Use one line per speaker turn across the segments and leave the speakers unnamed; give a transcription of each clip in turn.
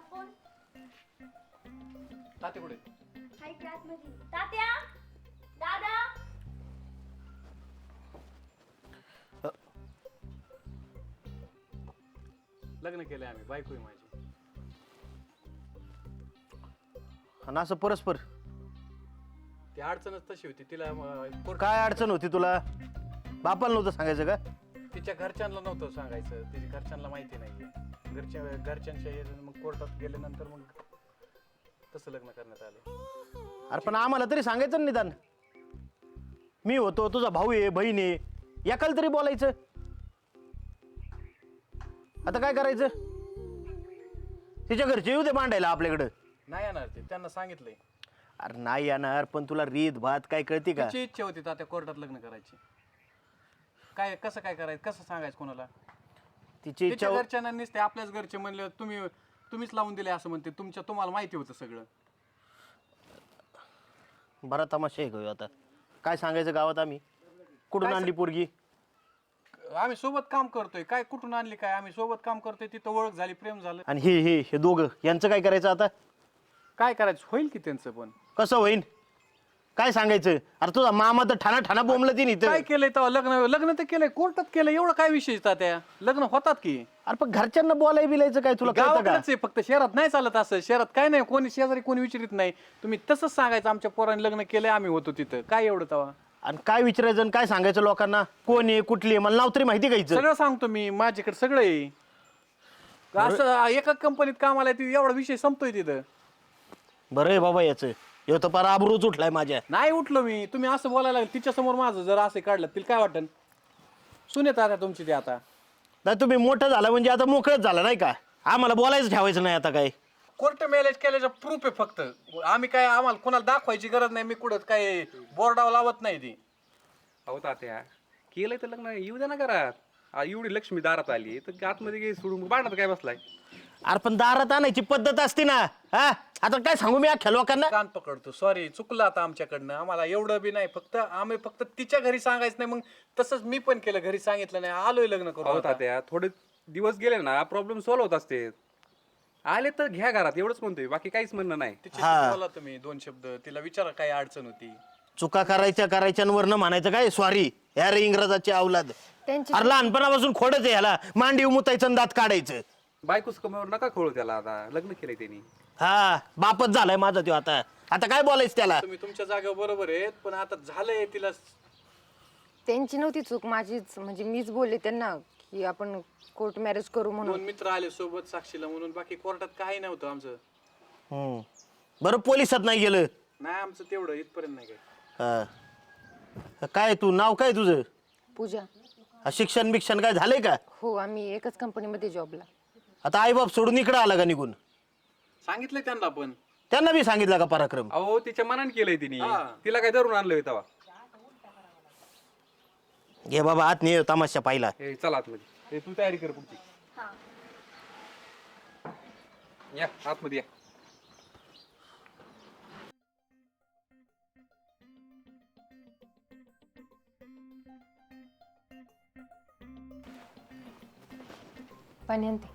Phone
ताते कुठे?
हाय class मध्ये. तात्या, दादा.
लग्न केलंय आम्ही, बायको आहे माझी.
आणि असं परस्पर
ती अडचणच तशी होती तिला
काय अडचण होती तुला? बापाला नव्हतं सांगायचं का?
तिच्या घरच्यांना नव्हतं सांगायचं, तिच्या घरच्यांना माहिती नाहीये. घरच्यांच्या मग कोर्टात गेल्यानंतर मग तसं लग्न करण्यात आलं.
अरे पण आम्हाला तरी सांगायचं ना निदान. मी होतो, तुझा भाऊ आहे, बहीण आहे, एकाला तरी बोलायचं. आता काय करायचं? तिच्या घरचे येऊ दे मांडायला आपल्याकडं.
नाही येणार ते, त्यांना सांगितलंय.
अरे नाही येणार, पण तुला रीत भात काय कळते का?
तिची इच्छा होती त्या कोर्टात लग्न करायची. काय कसं काय करायचं, कसं सांगायचं कोणाला?
तिची इच्छा
तिच्या घरच्यांना नसते, आपल्याच घरचे म्हणले तुम्हीच लावून दिले असं म्हणते. तुम्हाला माहिती होतं सगळं.
बरा तमाशा आहे का आता? काय सांगायचं गावात? आम्ही कुठून आणली पोरगी?
आम्ही सोबत काम करतोय. काय कुठून आणली काय? आम्ही सोबत काम करतोय, तिथं ओळख झाली, प्रेम झालं.
आणि हे दोघं यांचं काय करायचं आता?
काय करायचं होईल की त्यांचं पण.
कसं होईन? काय सांगायचं? अरे तुझा मामा तर ठाणा ठाणा बोंबलं ती
काय केलंय तेव्हा? लग्न तर केलंय, कोर्टात केलंय. एवढं काय विषय त्या लग्न होतात की?
अरे पण घरच्यांना बोलाय बिलायचं काय तुला कळतं का?
गावाकडेच आहे फक्त, शहरात नाही चालत असं. शहरात काय नाही, कोणी शेजारी कोणी विचारित नाही. तुम्ही तसंच सांगायचं आमच्या पोरांनी लग्न केलंय, आम्ही होतो तिथं. काय एवढं तेव्हा?
आणि काय विचारायचं आणि काय सांगायचं लोकांना? कोण आहे, कुठली आहे, मला नाव तरी माहिती घ्यायचं.
सगळं सांगतो मी, माझ्याकडे सगळं आहे. असं एका कंपनीत कामाला आहे, एवढा विषय संपतोय तिथं.
बरं आहे बाबा याचं. ह्यो तर फार आबरूच उठलाय माझ्या.
नाही उठलो मी. तुम्ही असं बोलायला लागले तिच्या समोर, माझं जर असं काढलं तिला काय वाटन? सुनेत आता तुमची ते आता.
नाही तुम्ही मोठं झाला म्हणजे आता मोकळच झाला नाही का? आम्हाला बोलायचं ठेवायचं नाही आता काय.
कोर्ट मॅरेज केल्याचं प्रूफ आहे फक्त. आम्ही काय, आम्हाला कोणाला दाखवायची गरज नाही. मी कुठं काय बोर्डावर लावत नाही ती.
अहो तात्या, केलंय तर लग्न येऊ द्या ना घरात. एवढी लक्ष्मी दारात आली तर आतमध्ये काही सोडून बांधत काय बसलाय?
अरे पण दारात आणायची पद्धत असते ना. हा आता काय सांगू मी अख्ख्या लोकांना?
कान पकडतो. सॉरी, चुकलं आता आमच्याकडनं. आम्हाला एवढं बी नाही. आम्ही फक्त तिच्या घरी सांगायचं नाही. मग तसंच मी पण केलं, घरी सांगितलं नाही, आलोय लग्न
अहो
करू.
तात्या, थोडे दिवस गेले ना प्रॉब्लेम सॉल्व्ह होत असते. आले तर घ्या घरात, एवढंच म्हणतोय, बाकी काहीच म्हणणं नाही.
तिच्याशी बोला तुम्ही 2 शब्द, तिला विचारा काय अडचण होती.
चुका करायच्यावरनं म्हणायचं काय सॉरी ह्या रे इंग्रजाची अवलाद. अरे लहानपणापासून खोडच आहे ह्याला. मांडी मुतायचं आणि दात काढायचं.
बायकोच कमावर नका खोळू त्याला. आता लग्न केलंय त्यांनी.
हा बापच झालाय माझा तो. आता काय बोलायचं त्याला?
तुम्ही तुमच्या जागेवर बरोबर आहेत, पण आता झालंय तिला.
त्यांची नव्हती चूक, माझीच. म्हणजे मीच बोलले त्यांना की आपण कोर्ट मॅरेज करू
2
म्हणून.
मित्र आले सोबत साक्षीला म्हणून, बाकी कोर्टात काही नव्हतं आमचं.
बरं पोलिसात नाही गेलं?
नाही आमचं तेवढं इथपर्यंत नाही काय.
काय तू नाव काय तुझं?
पूजा.
शिक्षण बिक्षण काय झालंय का?
हो, आम्ही एकच कंपनीमध्ये जॉबला.
आता आई बाप सोडून इकडे आला का निघून?
सांगितलंय त्यांना पण.
त्यांना बी सांगितलं का पराक्रम?
अहो तिच्या मनाने केलंय तिने. तिला काय धरून आणलंय तेव्हा?
घे बाबा आत नाही तमाशा पाहिला.
हे चला आतमध्ये. तू तयारी कर पुढची. या आतमध्ये या.
पाणी आणते.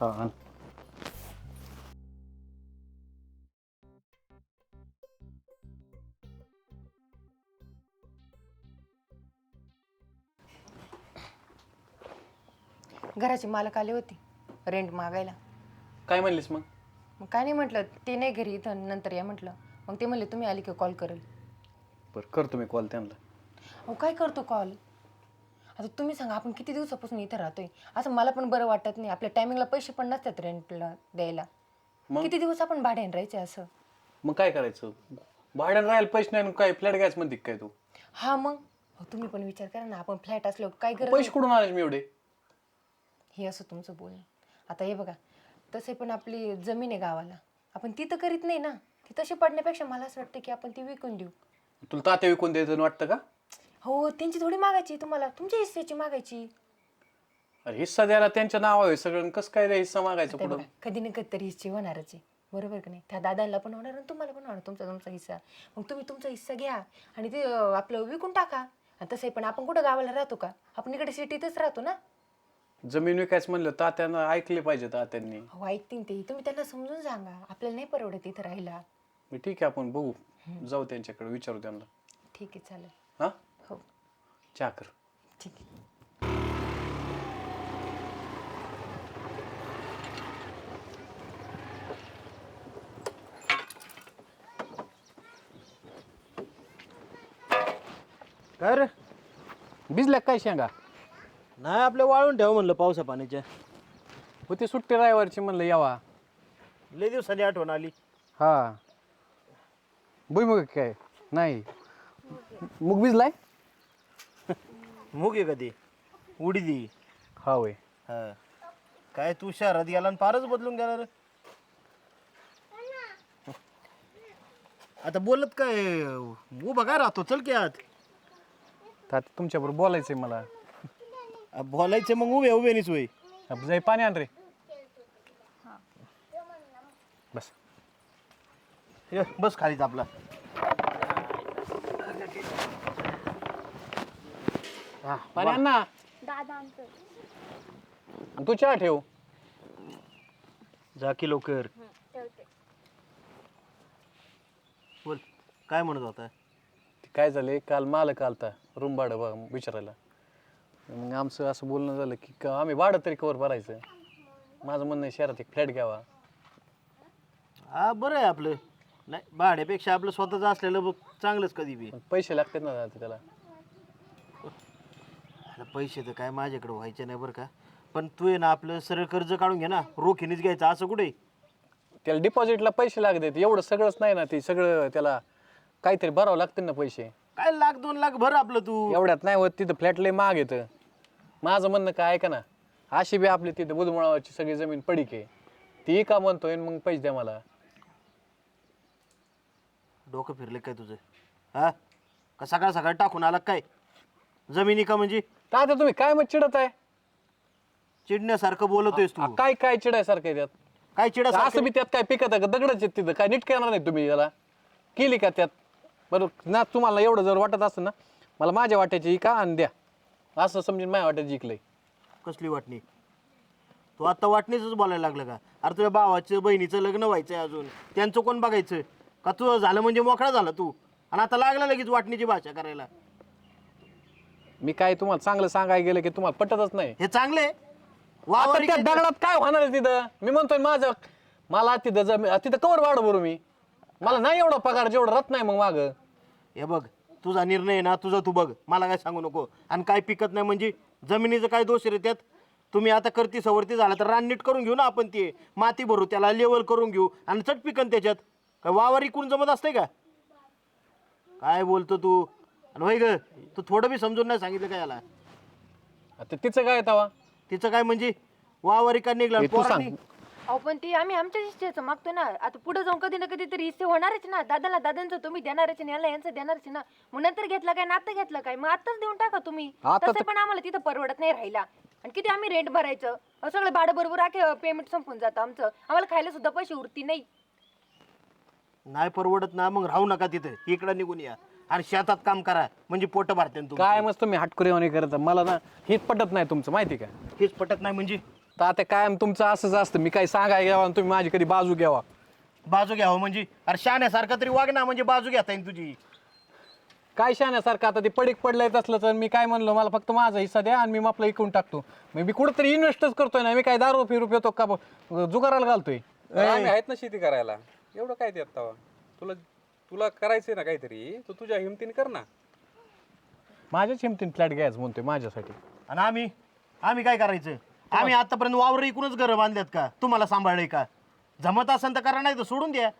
घराचे मालक आले होते रेंट मागायला.
काय म्हणलीस मग?
मग काय नाही म्हटलं, ते नाही घरी, इथं नंतर या म्हटलं. मग ते म्हणले तुम्ही आली की कॉल करेल.
बरं करतो मी कॉल त्यांना.
अहो काय करतो कॉल? आता तुम्ही सांगा, आपण किती दिवसापासून इथं राहतोय. असं मला पण बरं वाटत नाही. आपल्या टायमिंगला पैसे पण नसतात रेंटला द्यायला. किती दिवस आपण भाड्याने राहायचे असं?
मग काय करायचं? भाड्यानं राहायला पैसे नाही, काय फ्लॅट घ्यायच म्हणते काय तू?
हा मग तुम्ही पण विचार करा ना, आपण फ्लॅट असलो काय गरज
पैसे कुठून आले मी एवढे?
हे असं तुमचं बोलणं. आता हे बघा, तसे पण आपली जमीन आहे गावाला, आपण ती तर करीत नाही ना. ती तशी पडण्यापेक्षा मला असं वाटतं की आपण ती विकून देऊ.
तुला तात्या विकून द्यायचं वाटतं का?
हो, त्यांची थोडी मागायची तुम्हाला, तुमच्या हिस्सेची मागायची.
अरे हिस्सा द्यायला त्यांच्या नाव आहे सगळं, कसं काय हिस्सा मागायचं पुढं?
कधी ना कधी तरी हिस्से होणारच आहे, बरोबर का नाही? त्या दादांना पण होणार आणि तुम्हाला पण होणार तुमचा हिस्सा. मग तुम्ही तुमचा हिस्सा घ्या आणि ते आपलं विकून टाका. आणि तसंही पण आपण कुठं गावाला राहतो का? आपण इकडे सिटीतच राहतो ना.
जमीन विकायचं म्हणलं तात्यानं ऐकले पाहिजे तात्यांनी.
हो ऐकतील ते, तुम्ही त्यांना समजून सांगा आपल्याला नाही परवडत इथं राहायला.
मी ठीक आहे आपण बघू, जाऊ त्यांच्याकडे विचारू त्यांना.
ठीक आहे चालेल.
हा
हो
चहा कर.
ठीक आहे.
काय रे?
भिजल्या काय शेंगा?
नाही आपल्या वाळून ठेव म्हणलं पावसा पाण्याच्या.
होती सुट्टी रायवारची म्हणलं यावा.
लय दिवसांनी आठवण आली.
हा भुईमुग काय नाही, मूग भिजलाय.
मुग आहे कधी उडीदी.
हा होय.
हा काय तू शहरात गेला आणि फारच बदलून गेला रे. आता बोलत काय उभा काय राहतो, चल की आत.
तात्या तुमच्याबरोबर बोलायचंय मला.
बोलायचं मग उभे उभे नाहीच वय.
जाई पाणी आण रे. बस
ये, बस खालीच आपला.
पाणी आण ना.
दादा आणतोय.
आणि तू चहा ठेव.
जा की लवकर.
ठेवते.
बोल काय म्हणत होता.
काय झालंय, काल मालक आलता रूम भाडं बघ विचारायला. मग आमचं असं बोलणं झालं की आम्ही भाडं तरी कवर भरायचं. माझं म्हणणं आहे शहरात एक फ्लॅट घ्यावा.
हा बरं आहे आपलं. नाही भाड्यापेक्षा आपलं स्वतःचं असलेलं बघ चांगलंच कधी बी.
पण पैसे लागतात ना आता त्याला.
आता पैसे तर काय माझ्याकडे व्हायचे नाही बरं का. पण तू आहे ना आपलं सरळ कर्ज काढून घे ना, रोखीनेच घ्यायचं असं कुठे.
त्याला डिपॉझिटला पैसे लागतात. एवढं सगळंच नाही ना, ते सगळं त्याला काहीतरी भरावं लागतं ना पैसे.
काय लाख 2 लाख भर आपलं तू.
एवढ्यात नाही होत. तिथं फ्लॅट लय महाग येतं. माझं म्हणणं काय ऐका ना, अशी बी आपली तिथं बुधमुळावरची सगळी जमीन पडीक आहे, ती का म्हणतोय मग पैसे द्या मला.
डोकं फिरले काय तुझं. हा का सकाळ सकाळ टाकून आला काय जमिनी का म्हणजे.
आता तुम्ही काय मग चिडत आहे.
चिडण्यासारखं बोलतोयस तू.
काय काय चिडायसारखं आहे त्यात.
काय चिडा
असं बी त्यात काय पिकत आहे का, दगडच आहेत तिथं. काय नीट करणार नाही तुम्ही याला, केली का त्यात. बरं ना, तुम्हाला एवढं जर वाटत असेल ना, मला माझ्या वाट्याची का आणि द्या, असं समजून माझ्या वाट्याची जिंकलंय.
कसली वाटणी. तू आता वाटणीच बोलायला लागलं का. अरे तुझ्या भावाचं बहिणीचं लग्न व्हायचंय अजून, त्यांचं कोण बघायचं का. तुझं झालं म्हणजे मोकळा झाला तू, आणि आता लागला लगेच वाटणीची भाषा करायला.
मी काय तुम्हाला चांगलं सांगायला गेलं की तुम्हाला पटतच नाही.
हे चांगले
आता त्या दगडात काय होणार आहे तिथं. मी म्हणतोय माझं मला तिथं कवर वाढ भरू मी. मला नाही एवढा पगार जेवढा रत नाही मग माग.
हे बघ तुझा निर्णय आहे ना, तुझा तू बघ, मला काय सांगू नको. आणि काय पिकत नाही म्हणजे जमिनीचं काय दोष रे त्यात. तुम्ही आता करती सवरती झाला तर रान नीट करून घेऊ ना आपण, ते माती भरू, त्याला लेवल करून घेऊ आणि चट पिकन त्याच्यात. काय वावर इकून जमत असते का. काय बोलतो तू. आणि होय ग, तू थोडं बी समजून नाही सांगितलं काय याला.
आता तिचं काय तवा.
तिचं काय म्हणजे वावर इका निघला.
तू सांग.
अहो पण ते आम्ही आमच्या हिस्सेचं मागतो ना. आता पुढे जाऊन कधी ना कधी तरी हिस्से होणारच ना. दादाला दादांचं तुम्ही देणारच ना, याला यांचं देणारच ना. मग नंतर घेतला काय, नातं घेतलं काय, मग आताच देऊन टाका तुम्ही. तसं पण आम्हाला तिथं परवडत नाही राहिला. आणि किती आम्ही रेंट भरायचं, सगळं भाडं बरोबर आखे पेमेंट संपून जातं आमचं. आम्हाला खायला सुद्धा पैसे उरती नाही.
नाही परवडत ना, मग राहू नका तिथे, इकडं निघून या आणि शेतात काम करा, म्हणजे पोट भरते.
काय मस्त तुम्ही हटकुरेवाणी करत. मला ना हेच पटत नाही तुमचं, माहिती का.
हेच पटत नाही म्हणजे.
तर आता काय तुमचं असंच असतं. मी काही सांगायला घ्यावा आणि तुम्ही माझी कधी बाजू घ्यावा.
बाजू घ्यावं म्हणजे. अरे शाण्यासारखं तरी वाग ना, म्हणजे बाजू घेता येईल तुझी.
काय शाण्यासारखं. आता ते पडीक पडलंय असलं तर मी काय म्हणलो, मला फक्त माझा हिस्सा द्या आणि मी आपला इकून टाकतो. मी कुठंतरी इन्व्हेस्टच करतोय ना. मी काय दारू फिरू पितो का जुगाराला घालतोय.
आम्ही आहेत ना शेती करायला. एवढं काय त्यात तवा. तुला तुला करायचंय ना काहीतरी, तर तुझ्या हिमतीने कर ना.
माझ्याच हिमतीने फ्लॅट घ्यायचं म्हणतोय माझ्यासाठी.
आणि आम्ही काय करायचं. आम्ही आतापर्यंत वावर इकूनच घरं बांधल्यात का, तुम्हाला सांभाळलंय का. जमत असेल तर करा, नाही तर सोडून द्या.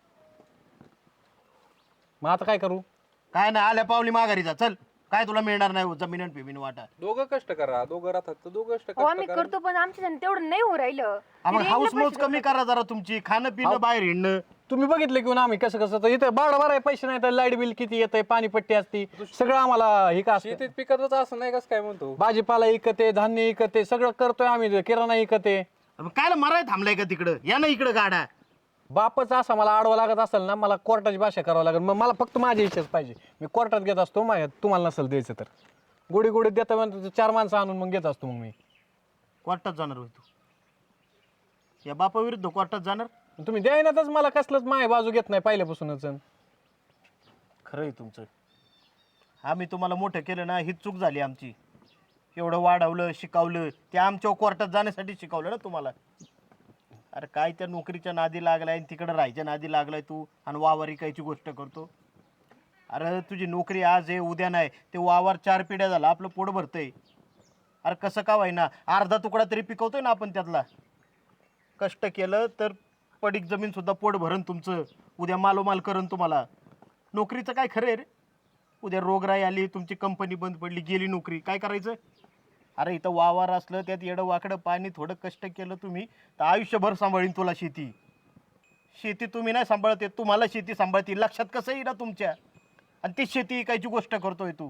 मग आता काय करू.
काय नाही, आल्या पावली माघारी जा. चल, काय तुला मिळणार नाही जमीन आणि पिमीन वाटा.
दोघं कष्ट करा, दोघं राहतात तर दोघं कष्ट
हो आम्ही
करा.
करतो पण आमच्या तेवढं नाही हो राहिलं.
मग हाऊस मौज कमी करा जरा तुमची. खाणं पिणं बाहेर हिंडणं.
तुम्ही बघितलं की आम्ही कसं कसं तर इथं भाडं भराय पैसे नाही तर लाईट बिल किती येतंय, पाणीपट्टी असती, सगळं आम्हाला हे का असतं.
शेतीत पिकतच असं नाही कसं काय म्हणतो.
भाजीपाला इकते, धान्य इकते, सगळं करतोय आम्ही, किराणा इकते.
काय माराय थांबलाय का तिकडं. या ना इकडं गाडा.
बापच असा मला आडवा लागत असेल ना, मला कोर्टाची भाषा करावं लागेल. मग मला फक्त माझ्या इच्छाच पाहिजे. मी कोर्टात घेत असतो, तुम्हाला नसेल द्यायचं तर गोडी गोडी देता म्हणतो 4 माणसं आणून मग घेत असतो. मग मी
कोर्टात जाणार होय तू? या बापाविरुद्ध कोर्टात जाणार?
तुम्ही द्यायनातच मला कसलंच माय बाजू घेत नाही पहिल्यापासूनच.
खरं आहे तुमचं. आम्ही तुम्हाला मोठं केलं ना, हीच चूक झाली आमची. एवढं वाढवलं शिकवलं, ते आमच्या कोर्टात जाण्यासाठी शिकवलं ना तुम्हाला. अरे काय त्या नोकरीच्या नादी लागलाय, तिकडं राहायच्या नादी लागलाय तू, आणि वावर इकायची गोष्ट करतो. अरे तुझी नोकरी आज आहे उद्या नाही, ते वावर 4 पिढ्या झाला आपलं पोट भरतंय. अरे कसं का व्हायना, अर्धा तुकडा तरी पिकवतोय ना आपण त्यातला. कष्ट केलं तर पडीक जमीन सुद्धा पोट भरण तुमचं, उद्या मालोमाल करण तुम्हाला. नोकरीचं काय खरं आहे रे? उद्या रोगराई आली, तुमची कंपनी बंद पडली, गेली नोकरी, काय करायचं? अरे इथं वावर असलं, त्यात येडं वाकडं पाणी, थोडं कष्ट केलं तुम्ही तर आयुष्यभर सांभाळीन तुला शेती. शेती तुम्ही नाही सांभाळते, तुम्हाला शेती सांभाळते. लक्षात कसं येईल ना तुमच्या? आणि ती शेती इकायची गोष्ट करतोय तू.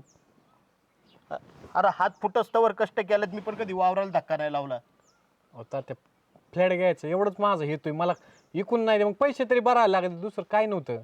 अरे हात फुटस्तवर कष्ट केलं, मी पण कधी वावराला धक्का नाही लावला.
होता ते फ्लॅट घ्यायचं एवढंच माझं हेतोय. मला इकून नाही मग पैसे तरी भरायला लागले, दुसरं काय नव्हतं.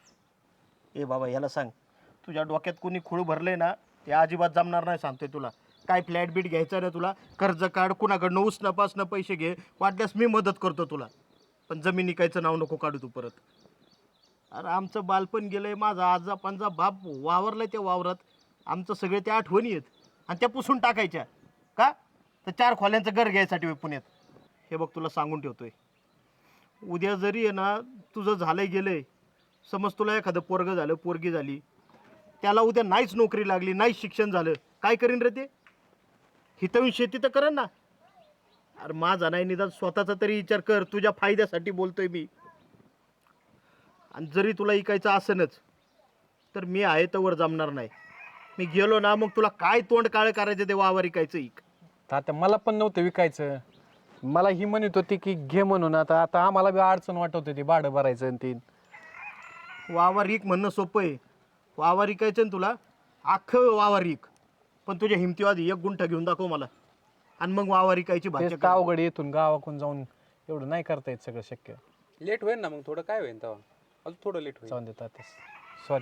ए बाबा याला सांग, तुझ्या डोक्यात कोणी खूळ भरले ना, ते अजिबात जमणार नाही सांगतोय तुला. काय फ्लॅट बीट घ्यायचं ना तुला, कर्ज काढ, कुणाकडनं उसणं पैसे घे, वाटल्यास मी मदत करतो तुला. पण जमीन इकायचं नाव नको काढू तू परत. अरे आमचं बालपण गेलंय, माझा आजा पंजा बाप वावरलाय त्या वावरात, आमचं सगळे त्या आठवणी आहेत, आणि त्या पुसून टाकायच्या का? तर 4 खोल्यांचं घर घ्यायसाठी होय पुण्यात. हे बघ तुला सांगून ठेवतोय, उद्या जरी आहे ना तुझं झालंय गेलंय, समज तुला एखादं पोरगं झालं, पोरगी झाली, त्याला उद्या नाहीच नोकरी लागली, नाहीच शिक्षण झालं, काय करीन रे ते? हितवून शेती तर करेन ना. अरे माझा नाही, निदान स्वतःचा तरी विचार कर, तुझ्या फायद्यासाठी बोलतोय मी. आणि जरी तुला इकायचं असेनच तर मी आहे तर जमणार नाही. मी गेलो ना मग तुला काय तोंड काळ करायचं ते वावर इकायचं इक.
आता मला पण नव्हतं विकायचं, मला ही म्हणत होती की घे म्हणून. आता आता आम्हाला बी अडचण वाटत होती भाडं भरायचं आणि ते.
वावर इक म्हणणं सोपं आहे, वावर इकायचं ना तुला, अख्खं वावर इक, पण तुझ्या हिमतीवादी 1 गुंठा घेऊन दाखव मला, आणि मग वावर इकायची भाषा
तेच अवघड, येथून गावाकडून जाऊन एवढं नाही करता येत सगळं शक्य.
लेट होईल ना मग, थोडं काय होईल तेव्हा, अजून थोडं लेट होईल.
जाऊन देतात सॉरी.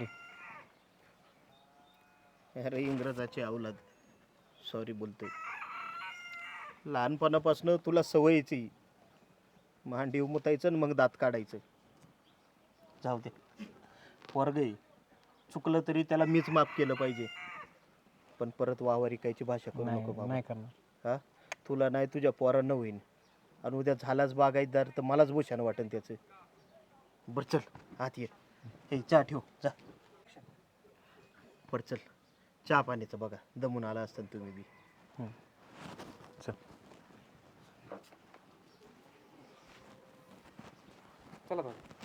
अरे इंग्रजाची अवलाद, सॉरी बोलतोय. लहानपणापासून तुला सवयीची, मांडी उमतायचं आणि मग दात काढायचं. जाऊ दे, वर्ग आहे, चुकलं तरी त्याला मीच माफ केलं पाहिजे. पण परत वावर इकायची भाषा करू नको बाबा.
नाही करणार.
हा, तुला नाही तुझ्या पोरांना होईन, आणि उद्या झालाच बागायतदार तर मलाच भूषण वाटेल त्याचं. बरं चल आत ये, हे चहा ठेव जा. बरं चल, चहा पाण्याचं बघा, दमून आला असताना तुम्ही बी.
चल.
चला बघा.